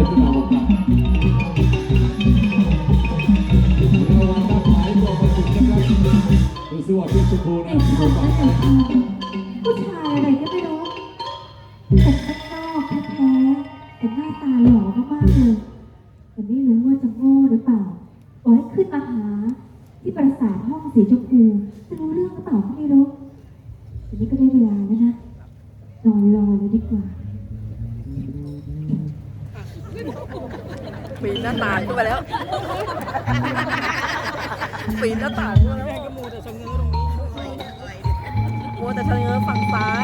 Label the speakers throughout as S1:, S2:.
S1: ที่เราบอกกันระวังด้านซ้ายตัวมาถึงนะครับดูสิว่าพี่สุภูนะดูฝั่งซ้าย
S2: ผู้ชายอะไรก็ไม่รู้แต่ข้างนอกแท้ๆแต่หน้าตาหล่อมากๆเลยแต่ไม่รู้ว่าจะโง่หรือเปล่าบอกให้ขึ้นมาหาที่ปราสาทห้องสีชมพูจะรู้เรื่องหรือเปล่าก็ไม่รู้ทีนี้ก็ได้เวลาแล้วนะรอเลยดีกว่า
S3: ปีนหน้าต่างขึ้นมาแล้วปีนหน้าต่างขึ้นมาแล้วก็มัวแต่ชะเง้อตรงนี้มัวแต่ชะเง้อฝั่งซ้าย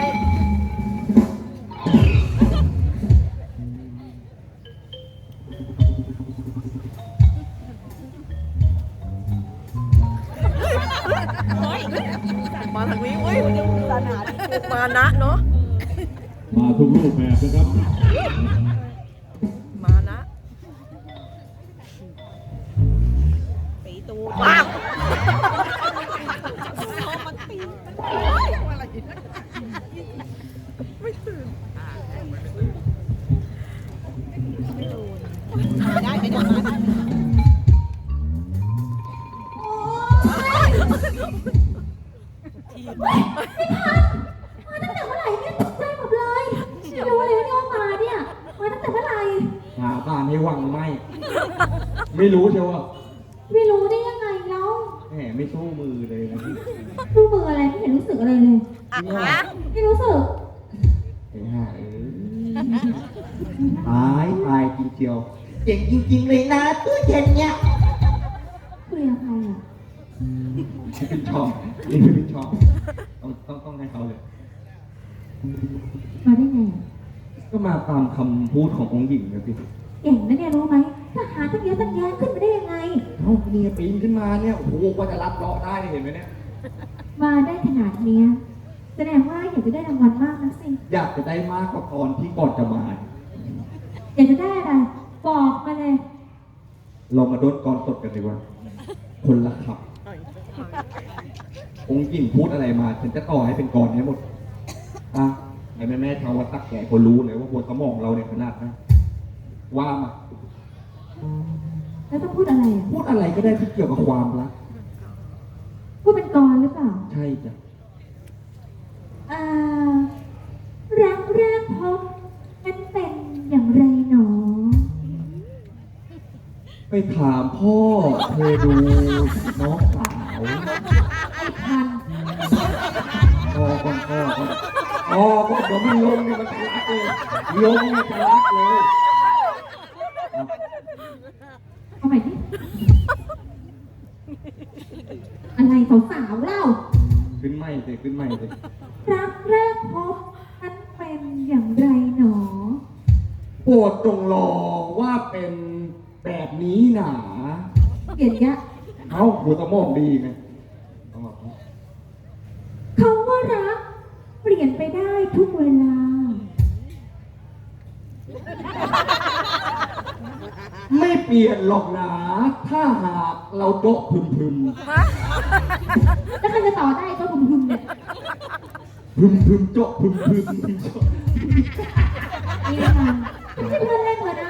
S3: มาทางนี้เว้ยมานะเนาะ
S1: มาทุกรูปแบบนะครับ
S3: มานะปีตูว้าวไม่ตื่นได้ไม่ได้มา
S2: ตั้งแต่เมื่อไหร่เนี่ยตกใจหมดเลยไม่รู้เลยว่ามาเนี่ยมาตั้งแต่เมื่อไหร่
S1: หาบ้านให้วังไหมไม่รู้เชียวว่า
S2: ไม่รู้ได้ยังไงแล้ว
S1: แหมไม่สู้มือเลยนะ
S2: รู้มืออะไรไม่เห็นรู้สึกอะไรเลย ไม่รู้สึก
S1: ไอ้ห่าตายจริงเชียวเก่งจริงๆเลยนะตู้เย็นเนี่ย
S2: คุยกับใครอ่ะ
S1: เป็นชอบนี่เป็นชอบต้องให้เขาเลย
S2: มาได้ไงอ่ะ
S1: ก็มาตามคำพูดขององค์หญิงนะพี่
S2: เก่งนะเนี่ยรู้ไหมทหารตั้งเยอะตั้งแยะขึ้นมาได้ยังไง
S1: เอ้านี่ปีนขึ้นมาเนี่ยโอ้โหกว่าจะรับเลาะได้เห็นไหมเนี่ย
S2: มาได้ขนาดเนี้ยแสดงว่าอยากจะได้รางวัลมากนะสิ
S1: อยากจะได้มากกว่าตอนที่ก่อนจะมา
S2: อยากจะได้อะไรบอกมาเลย
S1: เรามาโดนกรสดกันดีกว่าคนละขับ องค์หญิงพูดอะไรมาฉันจะต่อให้เป็นกรให้หมดอ่ะแม่ชาววัดตักแก่คนรู้เลยว่าบนสมองเราเนี่ยขนาดนะว่ามา
S2: แล้วต้องพูดอะไรอ่ะ
S1: พูดอะไรก็ได้ที่เกี่ยวกับความรัก
S2: พูดเป็นกรหรือเปล่า
S1: ใช่จ้ะ
S2: อ่ารักแรกพบนั้นเป็นอย่างไรหนอ
S1: ไปถามพ่อเธอดูน้องสาว
S2: ไอ้พัน
S1: พ่อก่อนเดี๋ยวมันลงเนี่ยมันจะรักเลยลงเนี่ยจะรักเลย
S2: เอาใหม่ดิอะไรสาวๆเล่า
S1: ขึ้นไม่เลยขึ้นไม่เลย
S2: รักแรกพบนั้นเป็นอย่างไรหนอ
S1: โปรดจงรอว่าเป็นแบบนี้หนา
S2: เปลี่ยนยะ
S1: เขาหัวสมองดีไง
S2: เขาว่ารักเปลี่ยนไปได้ทุกเวลา
S1: ไม่เปลี่ยนหรอกนะถ้าหากเราโจ๊ะพึม
S2: แล้วใครจะต่อได้ก็พึมๆเนี่ย
S1: โจ๊ะพึมโจ๊ะ
S2: นี่นะคะไม่ใช่เพื่อนเล่นเหรอนะ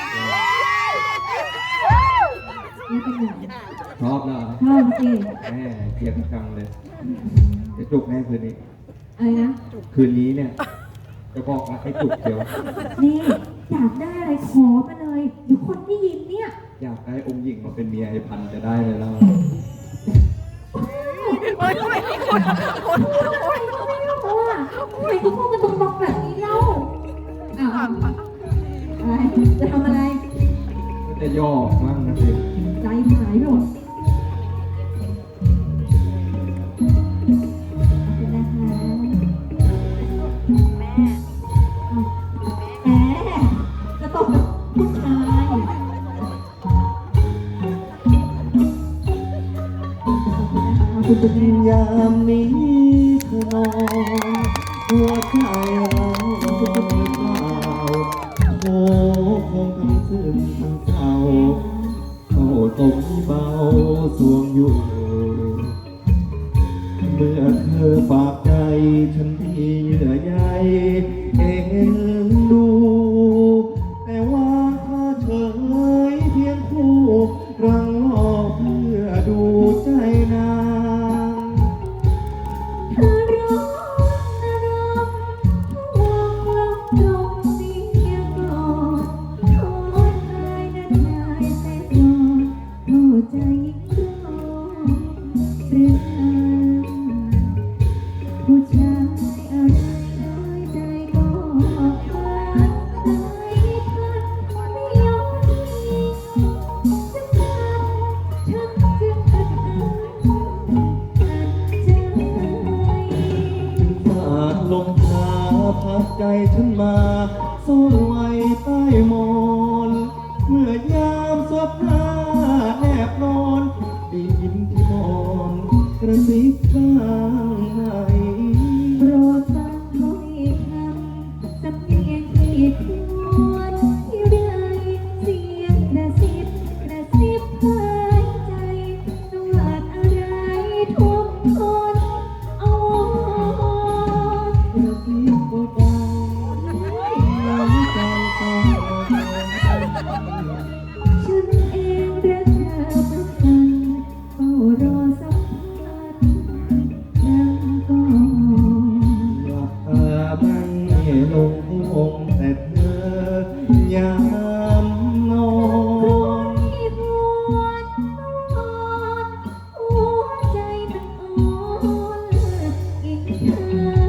S2: นี่เป็นไง
S1: ชอบนะ
S2: ชอบสิ
S1: แม่เกลียดจังเลยจะจุกแน่คืนนี้
S2: อะไรนะ
S1: คืนนี้เนี่ย จะบอกรักให้จุกเดียว
S2: นี่อยากได้อะไรขอมาเลยเดี๋ยวคนที่ยินเนี่ย
S1: อยากได้องค์หญิงมาเป็นเมียไอ้พันจะได้เลยแล้ว
S3: เฮ้ยไม่คน
S2: ทำไมก็ไม่รู้อ่ะทำไมก็พูดกันตรงๆแบบนี้เล่าอ้าวอะไรจะทำอะไร
S1: ก็จะย่อมั่งนะสิ
S2: ใจหายหมดแหมจะตบกับผู้ชาย
S1: ยามนี้เธอนอนหัวใจเราเปล่าโอ้คงทำซึ้งทำเศร้าเข้าตกเบาสวงอยู่ เมื่อเธอฝากใจฉันที่เยื่อใยเอ็นดู แต่ว่าเธอฉันมาซ่อนไว้ใต้หมอนเมื่อยามสวบหน้าแนบนอนได้ยินที่มอนกระซิบข้างใน
S2: โปรดฟังถ้อยคำสำเนียงที่ควรที่ใดเสียงกระซิบภายใจสวัสดอะไรทุกคนเอาวอน
S1: กระซิบเบาๆน้ำใจต้องรอ
S2: ฉันเองรักเธอเหมือนกันเฝ้ารอสัมพันธ์นั่งก่อน
S1: หลับตาไม่ลงคงแต่เธอยามนอน
S2: ที่หวนนอนหัวใจมันอ่อนอีกเธอ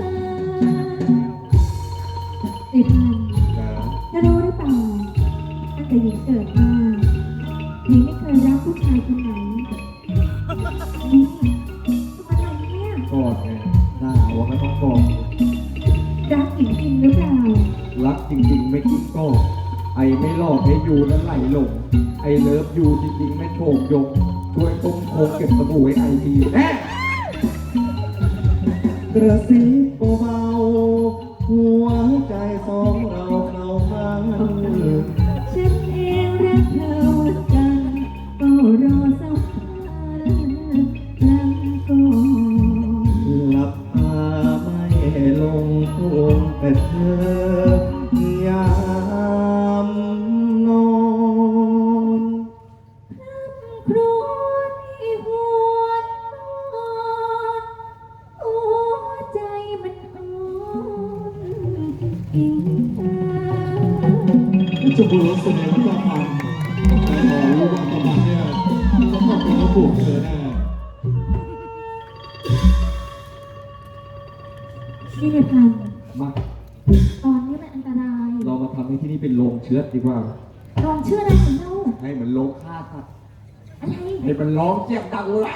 S2: ไอ้พันเธอรู้หรือเปล่าตั้งแต่หญิงเกิดมาหญิงไม่เคยรักผู้ชายคนไหนนี่ทำอะไรเนี่ย
S1: กอดไงหน้าว่าไม่ต้องกอด
S2: รักหญิงจริงหรือเปล่า
S1: รักจริงๆไม่คิดก็ไอไม่หลอกให้ยูนั้นไหลหลงไอเลิฟยูจริงๆไม่โฉกยกช่วยต้มโคงเก็บสบู่ไว้ไอทีแน่กระซิบเบาๆหัวใจสองเราเข้ามัน
S2: ฉันเองรักเธอเหมือนกันก็รอสักพันนั่งก่อน
S1: หลับตาไม่ลงคงแต่เธอยามนอน
S2: ครวญที่หวนนอนหัวใจมันอ่อนอิงเธอ
S1: จะบุรุษเสน่ห์ที่ต้องทำแต่ขอรู้ว่าประมาณเนี่ยต้องขอบคุณและปลูกเธอแน่
S2: นี่เลยพัน
S1: มา
S2: ตอนนี้มันอันตราย
S1: เรามาทำให้ที่นี่เป็นโรงเชื้อดีกว่า
S2: ลองเชื่ออะไรของเรา
S1: ให้มันโรงฆ่าสัตว์
S2: อะไร
S1: ให้มันร้องเจี๊ยบดังเลย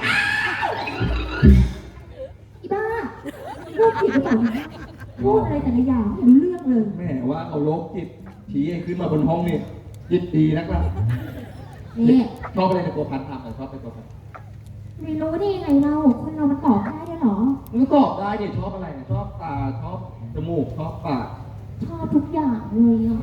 S2: อีบ้าพูดผิดหรือเปล่าเนี่ยพูดอะไรแต่ละอย่างไม่รู้เรื่องเลย
S1: แม่ว่าเอาโรคจิตผีให้ขึ้นมาบนห้องนี่จิตดีนักล่ะ
S2: นี่
S1: ชอบอะไรในตัวพันทำชอบในตัวพัน
S2: ไม่รู้ได้ยังไงเราคนเรามันตอบได้ด้วยเหรอ
S1: มันก็ตอบได้ดิชอบอะไรเนี่ยชอบตาชอบจมูกชอบปาก
S2: ชอบทุกอย่างเลยอ่ะ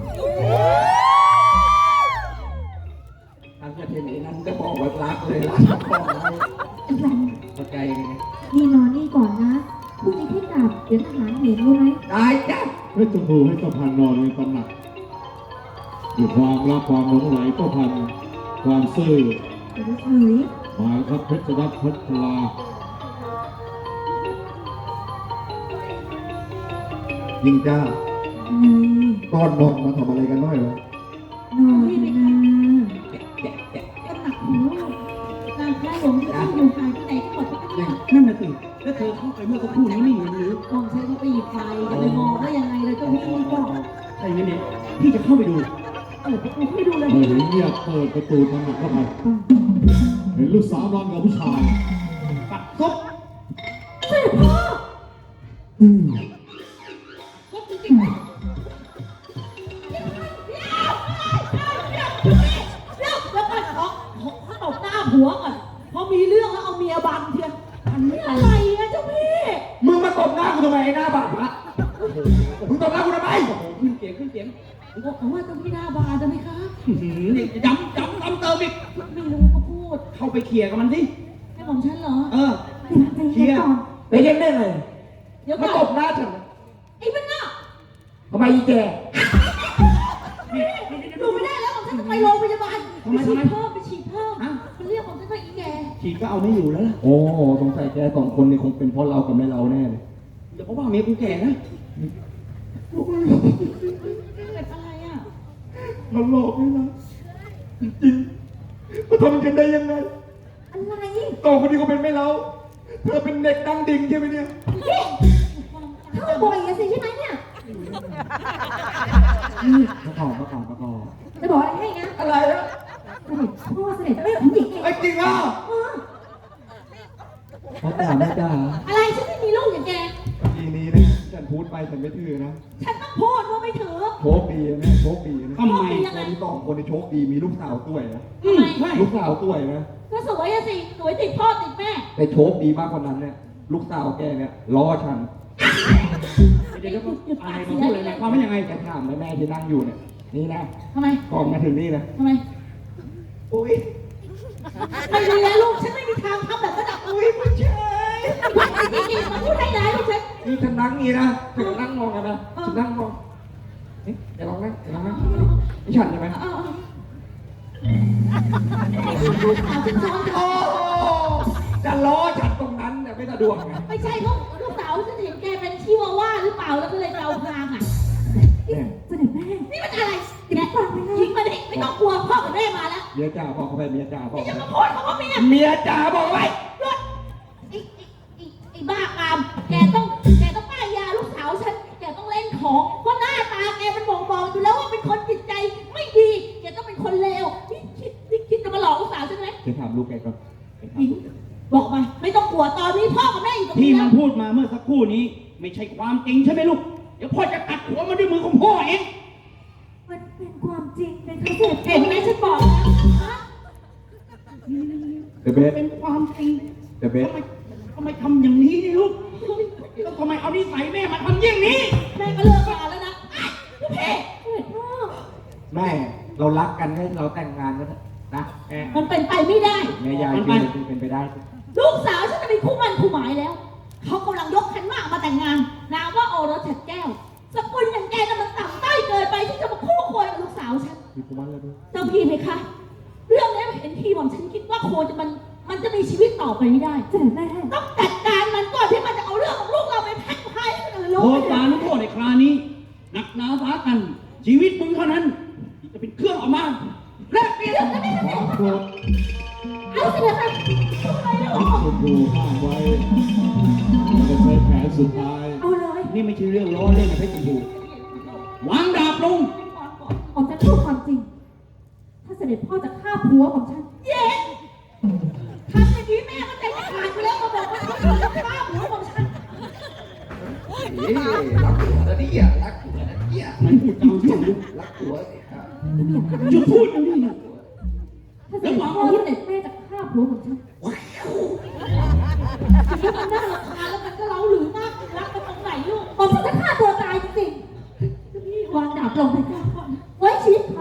S1: ทางประเทศนี้นั้นจะบอกว่ารักเลยรักชอบของให้
S2: ไอ้รัน
S1: เข้าใจไง
S2: นี่นอนนี่ก่อนนะพรุ่งนี้พี่กลับเดี๋ยวทหารเห็นรู้ไหม
S1: ได้จ้ะ
S4: เพชรชมพูให้ประพันธ์นอนในตำหนักด้วยความรักความหลงไหลประพันธ์ความซื่อ
S2: เดี๋ยวเฉย
S4: มาครับเพชรรัตน์พัชรา
S1: ยิงจ้า
S2: ไง
S1: ก้อนนอนมาทำอะไรกันน้อยวะ
S2: นอนนะ
S5: ตำหนักของลูกนางพระหลวงที่ตั้งอยู่ห่างที่ไหนก็หมดทุกอย่าง
S3: นั่นน่ะสิแล้วเธอเข้าไปเมื่อสักครู่นี้ไม่เห็นหรือ
S5: มองใช้เขาไปหยิบไฟจะไปมองว่ายังไงเลยเจ้าพี่ก็
S3: ถ้าอย่างนี้เนี่ยพี่จะเข้าไปดู
S5: เปิดประตูให้ดูเลย
S4: เมื่อเห็นเงียบเปิดประตูตำหนักเข้าไปเห็นลูกสาวนอนกับผู้ชาย
S3: ปัดซบ
S5: ก็จริงๆแล้วก็ขอตบหน้าผัวก่อนพอมีเรื่องแล้วเอาเมียบังเทียนอันนี้อะไรอะเจ้าพี่
S1: มึงมาตบหน้ากูทำไมไอ้หน้าบาดพระมึงตบหน้ากูทำไม
S3: ขึ้นเสียงขึ้นเสียง
S5: บอกเขาว่าเจ้าพี่หน้าบานจะไหมคะ
S3: นี่ย้ำเติมอีก
S5: ไม่รู้ก็พูด
S3: เข้าไปเคลียร์กับมันสิ
S5: ให้ผมฉันเหรอ
S3: เออ
S2: ใจเย็นก่อน
S1: ไปเย็นได้เลย
S5: เดี๋ยว
S1: มา
S5: ก่
S1: ต
S5: อน
S1: บหน้าฉัน
S5: ไอ้มันน่ะ
S1: ทำไมอีแก
S5: ดูไม่ได้แล้วผมฉันจะไปโรงพยาบาล
S3: ทำไม
S5: ไปฉีดเพิ่มมันเรียกผมฉันว่าอีแก
S3: ฉีดก็เอาไม่อยู่แล้วล่ะ
S1: โอ้สงสัยแกสองคนนี่คงเป็นเพราะเรากับแม่เราแน่เลย
S3: อย่าเพราะว่าเมียกูแก่นะ
S5: เกิดอะไรอ่ะ
S1: มันหลอกนี่นะจริงๆมาทำกันได้ยังไง
S2: อะไร
S1: ต่อคนนี้ก็เป็นแม่เราเธอเป็นเด็กดังดิ่งใช่ไหมเนี่ย
S2: เข้าบ่อยอะสิใช่ไหมเนี่ย
S1: ประกอบ
S2: จะบอกอะไรให้นะ
S1: อะไรอะ
S2: เสด็จพ่อเสด็จแม่ของหญิงเอง
S1: ไอ้จริงอ่ะ
S2: เออ
S1: พ่อจ๋าแม่จ๋า
S5: อะไรฉันไม่มีลูกอย่างแก
S1: ทีนี้นะฉันพูดไปฉันไม่ถือนะ
S5: ฉันต้องพูดว่าไม่ถือ
S1: โชคดีนะโชคดีนะ
S4: ทำไม
S1: คนที่สองคนในโชคดีมีลูกสาวตัวยนะ
S4: อืมใช่
S1: ลูกสาวตัวยนะ
S5: ก็สวยอะสิสวยติดพ่อติดแม่
S1: แต่โชคดีมากกว่านั้นเนี่ยลูกสาวแกเนี่ยล้อฉัน
S4: เดี๋ยวอะไรมาพูดเลยนะความเป็นยังไง
S1: แกถามแม่ที่นั่งอยู่เนี่ยนี่นะ
S5: ทำไม
S1: ก่อนมาถึงนี่นะ
S5: ทำไม
S1: อุ้ย
S5: ไม่ดีแล้วลูกฉันไม่มีทางทำแบบนั้นหรอก
S1: อุ้ยไม่ใช่
S5: จริงๆมันพูดให้ร้ายลูกฉัน
S1: นี่ฉันนั่งนี่นะฉันก็นั่งมองกันนะฉันนั่งมองเอ๊ะเดี๋ยวลองนั่งนี่ฉันใช่ไหม
S5: เอาลูกสาวฉันซ้อน
S1: โอ้จะล้อฉันตรงนั้นเนี่ยไม่สะดวกไง
S5: ไม่ใช่ลูกสาวฉันเห็นแกเป็นชิวาว่าหรือเปล่าแล้วก็เลยเดาพรางอ่ะ
S1: เนี่ย
S2: เสด็จแม่
S5: นี่มันอะไรแกยิงมาดิไม่ต้องกลัวพ่อกับแม่มาแล้ว
S1: เมียจ่าบอกเขาไปเมียจ่าบอก
S5: จะ
S1: เขา
S5: มา
S1: ไป
S5: พูดคำว่าเมีย
S1: เมียจ่าบอกไว้
S5: หยุดไอ้บ้ากามแกต้องป้ายยาลูกสาวฉันแกต้องเล่นของเพราะหน้าตาแกมันบอกอยู่แล้วว่าเป็นคนจิตใจไม่ดีแกต้องเป็นคนเลวนี่คิดจะมาหลอกลูกสาวฉันไหม
S1: เดี๋ยวถามลูกแกก่อน
S5: หญิงบอกมาไม่ต้องกลัวตอนนี้พ่อกับแม่อยู่ตรง
S4: ที่
S5: นี้
S4: มั
S5: แล้
S4: น
S5: ว
S4: พูดมาเมื่อสักครู่นี้ ไม่ใช่ความจริงใช่ไหมลูก เดี๋ยวพ่อจะตัดหัวมันด้วยมือของพ่อเอง
S2: มันเป็นความจริงเลยค่ะเสด็จ
S5: เห็นไหมฉันบอกแล้วฮะ
S1: เดอะเบส
S4: เป็นความจริง
S1: เดอะเบส
S4: ทำไมทำอย่างนี้นี่ลูกแล้วทำไมเอานิสัยแม่มาทำอย่างนี้
S5: แม่ก็เลิกงานแล้วนะลูกพี่
S2: เสด็จพ่อ
S1: แม่เรารักกันให้เราแต่งงานกันเถอะนะแม่
S5: มันเป็นไปไม่ได้
S1: แม่ยายคิดเป็นไปได้
S5: ลูกสาวฉันจะเป็นคู่มั่นคู่หมายแล้ว เขากำลังยกขันหมากมาแต่งงานนามว่าโอรสฉัดแก้ว สกุลอย่างแกน่ะมันต่ำต้อยเกินไปที่จะมาคู่ควรกับลูกสาวฉัน
S1: มีกุมารแล้วด้วย
S5: เจ้าพี่ไหมคะ เรื่องนี้เห็นทีผมฉันคิดว่าโคจะมันจะมีชีวิตต่อไปไม่ได้
S2: เสด็จแม่
S5: ต้องจัดการมันก่อนที่มันจะเอาเรื่องของลูกเราไปแพร่พายให้คนอื่นรู้
S4: โทษบาลุโทษในครานี้หนักหนาสากัน ชีวิตมึงเท่านั้นที่จะเป็นเครื่องออกมาและเปลี่ยน
S1: ความโกรธ
S5: เอาสินะคะทำไมล่ะ
S4: ชมพูห้ามไว้จะใช้แผนสุดท้าย
S2: เอาเลย
S4: นี่ไม่ใช่เรื่องล้อเล่นนะเพชรชมพูวางดาบลง
S2: ผมจะพูดความจริง ถ้าเสด็จพ่อจะฆ่าผัวของฉัน
S5: เย็นทำอย่างนี้แม่ก็ใจจะขาดอยู่แล้วมาบอกว่าเขาจะฆ่าหัวของฉัน
S1: นี่รักผัวนะเนี่ยรักผัวนะเนี่ย
S4: มันพูดจาที่ลูก
S1: รักผัวเนี่ยครับ
S4: จุดพูดเดี๋ยวนี้นะ
S2: ถ้าเสด็จพ่อที่เสด็จแม่จะฆ่าผัวของฉัน
S5: ที่มันน่ารำคาญแล้วมันก็เล้าหรือมากรักกันตรงไหนลูก
S2: ผมจะฆ่าตัวตายจริงๆวางดาบลงไปก่อนไว้ชีวิตเขา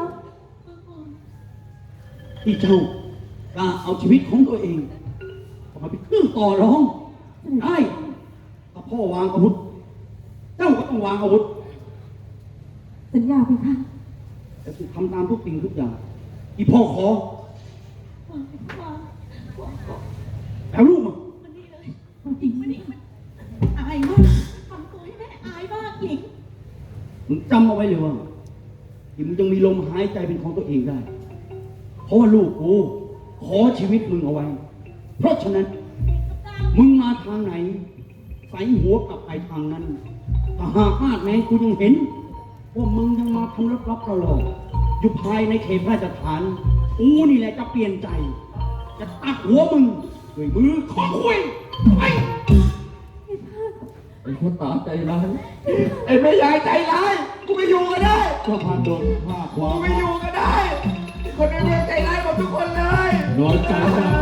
S4: ที่เจ้ากล้าเอาชีวิตของตัวเองเอามาเป็นเครื่องต่อรองได้ถ้าพ่อวางอาวุธ เจ้าก็ต้องวางอาวุธ
S2: สัญญาไปค่ะ
S4: แต่ถูกทำตามทุกสิ่งทุกอย่างที่พ่อขอแล้วลูกมา
S5: มันนี่เลยหญิงมันนี่มันอายมากทำตัวให้แม่อายมากหญิง
S4: มึงจำเอาไว้เลยว่าที่มึงยังมีลมหายใจเป็นของตัวเองได้ เพราะว่าลูกกูขอชีวิตมึงเอาไว้ เพราะฉะนั้น มึงมาทางไหนใส่หัวกลับไปทางนั้นถ้าหากมาดแม้กูยังเห็น ว่ามึงยังมาทำลับๆหลอกๆอยู่ภายในเขตพระราชฐานกูนี่แหละจะเปลี่ยนใจ จะตัดหัวมึงด้วยมือของคุยไป
S1: ไอ้คนตาใจร้ายไอ้แม่ยายใจร้ายกูไม่อยู่ก็ได้
S4: ก็พันโดนผ้าควา
S1: กู
S4: ม
S1: ไม่อยู่ก็ได้ คนในเมืองใจร้ายหมดทุกคนเลย
S4: น้อยใจได้